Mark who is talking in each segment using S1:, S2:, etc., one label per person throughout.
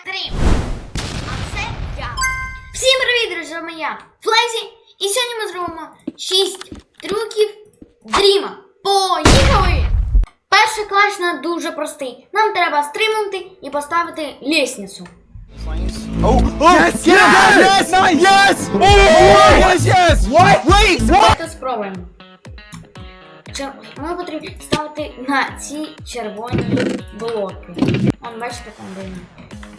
S1: стрім. А це я. Всім привіт, друзі, з вами я, Флезі. І сьогодні ми зробимо 6 трюків Дріма. Поїхали! Перший клач нам дуже простий. Нам треба стрибнути і поставити лестницю. Давайте спробуємо. Ми потрібно ставити на ці червоні блоки. Он, бачите, там де він.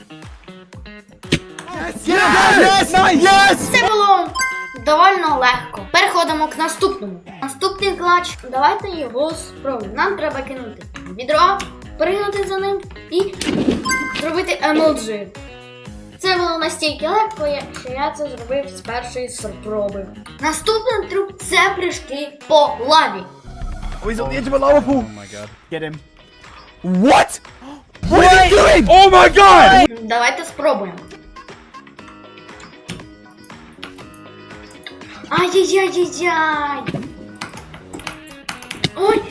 S1: Це було доволі легко. Переходимо к наступному. Наступний клач. Давайте його спробуємо. Нам треба кинути відро, пригнути за ним і зробити емоджі. Це було настільки легко, що я це зробив з першої спроби. Наступний трюк – це прыжки по лаві.
S2: Oh, he's on the edge of a lava pool. Oh my god. Get him. What? What are you doing? Oh my god!
S1: Давайте спробуємо. Ай-яй-яй-яй-яй! Ой!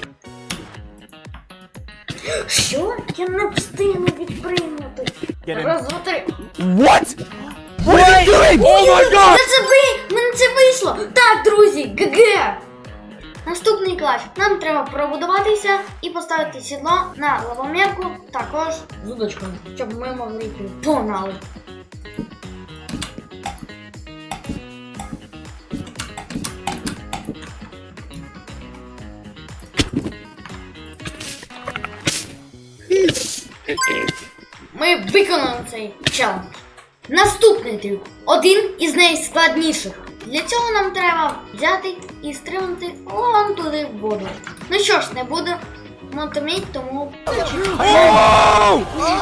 S1: Що? Я не встигну відприйняти. Раз, два, три.
S2: What? What are you doing? Oh my god!
S1: Мене це вийшло! Так, друзі, ГГ! Наступний клач. Нам треба пробудуватися і поставити сідло на лавомірку, також з удочкою, щоб ми могли йти. Погнали! Ми виконали цей челендж. Наступний трюк. Один із найскладніших. Для цього нам треба взяти і стрибнути вон туди в воду. Ну що ж, не буду мотоміть, тому...
S2: Oh!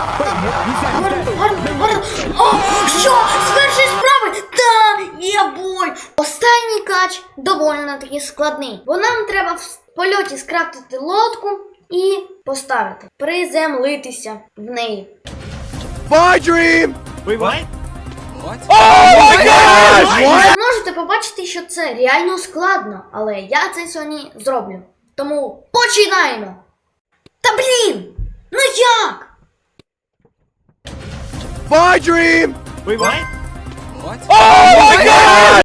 S1: О, що? З першої справи? Та, є бой! Останній кач доволі таки складний. Бо нам треба в польоті скрафтити лодку і поставити. Приземлитися в неї.
S2: My dream! Wait, what? What? Oh my god!
S1: Ви можете побачити, що це реально складно, але я це сьогодні зроблю. Тому починаємо! Та блін! Ну як?
S2: My dream! Wait, what? What? Oh my god!